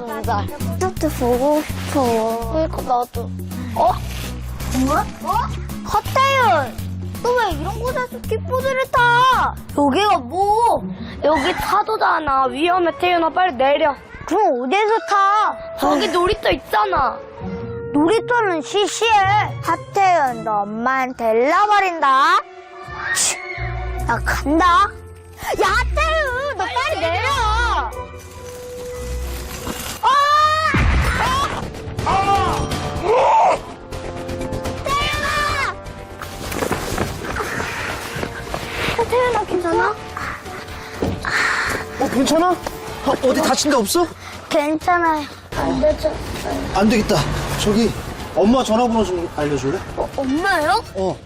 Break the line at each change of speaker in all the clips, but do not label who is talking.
정말. 나도 보고 싶어. 그러니까 나도. 정말? 하태윤! 너 왜 이런 곳에서 킥보드를 타? 여기가 뭐? 여기 파도잖아. 위험해, 태윤아. 빨리 내려. 그럼 어디에서 타? 저기 놀이터 있잖아. 놀이터는 시시해. 하태윤, 너 엄마한테 일러버린다. 나 간다. 야, 하태윤! 너 빨리 내려! 태연아 괜찮아?
괜찮아? 어디 다친 데 없어?
괜찮아요. 안 되죠?
안 되겠다. 저기 엄마 전화번호 좀 알려줄래?
엄마요?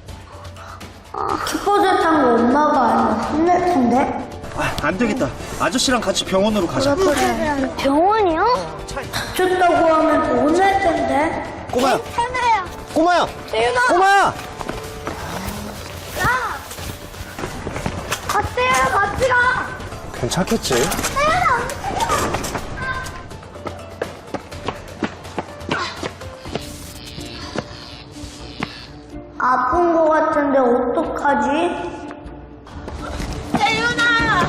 킥보드 탄 거 엄마가 알면 혼낼 텐데.
안 되겠다. 아저씨랑 같이 병원으로 가자.
병원이요?
다쳤다고 하면 더 혼낼 텐데.
꼬마야,
괜찮아요.
꼬마야,
태연아.
꼬마야.
같이 가.
괜찮겠지?
아픈 거 같은데 어떡하지?
태연아.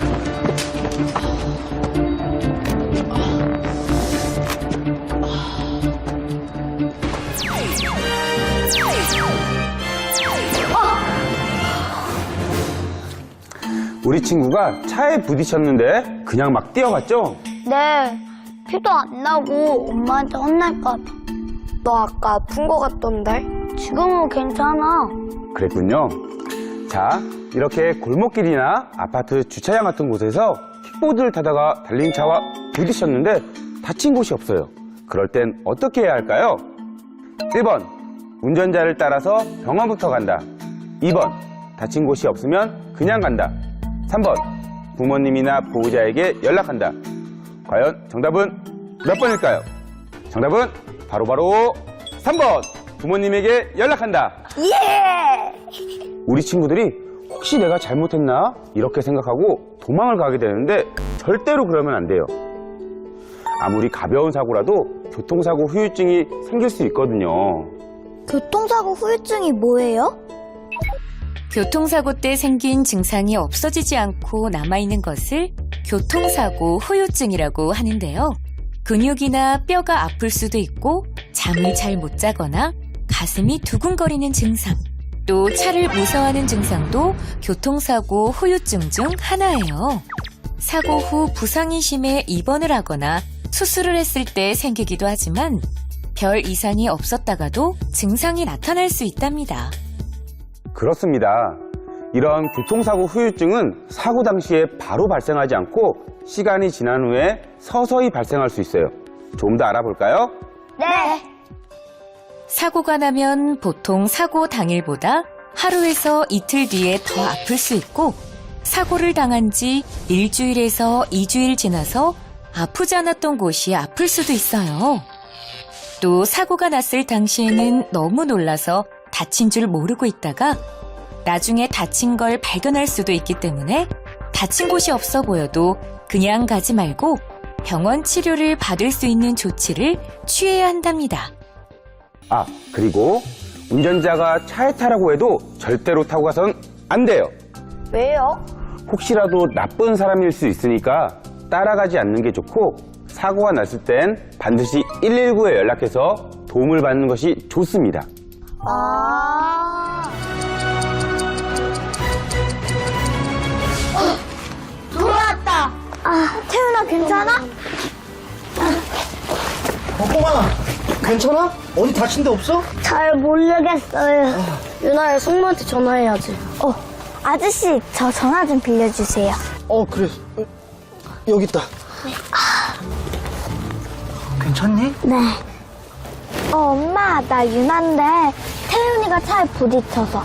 우리 친구가 차에 부딪혔는데 그냥 막 뛰어갔죠?
네. 피도 안 나고 엄마한테 혼날까 봐. 너 아까 아픈 거 같던데? 지금은 괜찮아.
그랬군요. 자, 이렇게 골목길이나 아파트 주차장 같은 곳에서 킥보드를 타다가 달린 차와 부딪혔는데 다친 곳이 없어요. 그럴 땐 어떻게 해야 할까요? 1번, 운전자를 따라서 병원부터 간다. 2번, 다친 곳이 없으면 그냥 간다. 3번, 부모님이나 보호자에게 연락한다. 과연 정답은 몇 번일까요? 정답은 바로 3번, 부모님에게 연락한다.
예!
우리 친구들이 혹시 내가 잘못했나? 이렇게 생각하고 도망을 가게 되는데 절대로 그러면 안 돼요. 아무리 가벼운 사고라도 교통사고 후유증이 생길 수 있거든요.
교통사고 후유증이 뭐예요?
교통사고 때 생긴 증상이 없어지지 않고 남아있는 것을 교통사고 후유증이라고 하는데요. 근육이나 뼈가 아플 수도 있고 잠을 잘 못 자거나 가슴이 두근거리는 증상, 또 차를 무서워하는 증상도 교통사고 후유증 중 하나예요. 사고 후 부상이 심해 입원을 하거나 수술을 했을 때 생기기도 하지만 별 이상이 없었다가도 증상이 나타날 수 있답니다.
그렇습니다. 이런 교통사고 후유증은 사고 당시에 바로 발생하지 않고 시간이 지난 후에 서서히 발생할 수 있어요. 좀 더 알아볼까요?
네.
사고가 나면 보통 사고 당일보다 하루에서 이틀 뒤에 더 아플 수 있고, 사고를 당한 지 일주일에서 2주일 지나서 아프지 않았던 곳이 아플 수도 있어요. 또 사고가 났을 당시에는 너무 놀라서 다친 줄 모르고 있다가 나중에 다친 걸 발견할 수도 있기 때문에 다친 곳이 없어 보여도 그냥 가지 말고 병원 치료를 받을 수 있는 조치를 취해야 한답니다.
아, 그리고 운전자가 차에 타라고 해도 절대로 타고 가선 안 돼요.
왜요?
혹시라도 나쁜 사람일 수 있으니까 따라가지 않는 게 좋고, 사고가 났을 땐 반드시 119에 연락해서 도움을 받는 것이 좋습니다.
돌아왔다. 태훈아 괜찮아?
꼬마야, 괜찮아? 어디 다친 데 없어?
잘 모르겠어요. 유나야, 승모한테 전화해야지. 아저씨, 저 전화 좀 빌려주세요.
그래. 여기 있다. 괜찮니?
네. 엄마, 나 유나인데 태훈이가 차에 부딪혀서.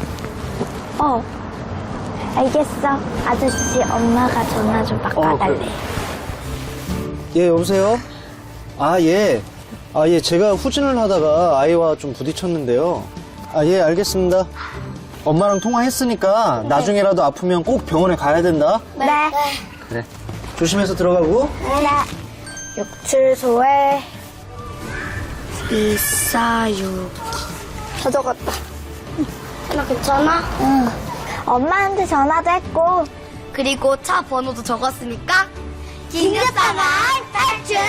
알겠어. 아저씨, 엄마가 전화 좀 바꿔달래.
그래. 예, 여보세요? 예. 예, 제가 후진을 하다가 아이와 좀 부딪혔는데요. 예, 알겠습니다. 엄마랑 통화했으니까 나중에라도 아프면 꼭 병원에 가야 된다.
네.
그래. 조심해서 들어가고.
네. 육칠소에 246. 다 적었다. 나 괜찮아? 응. 엄마한테 전화도 했고. 그리고 차 번호도 적었으니까 긴급상황 탈출!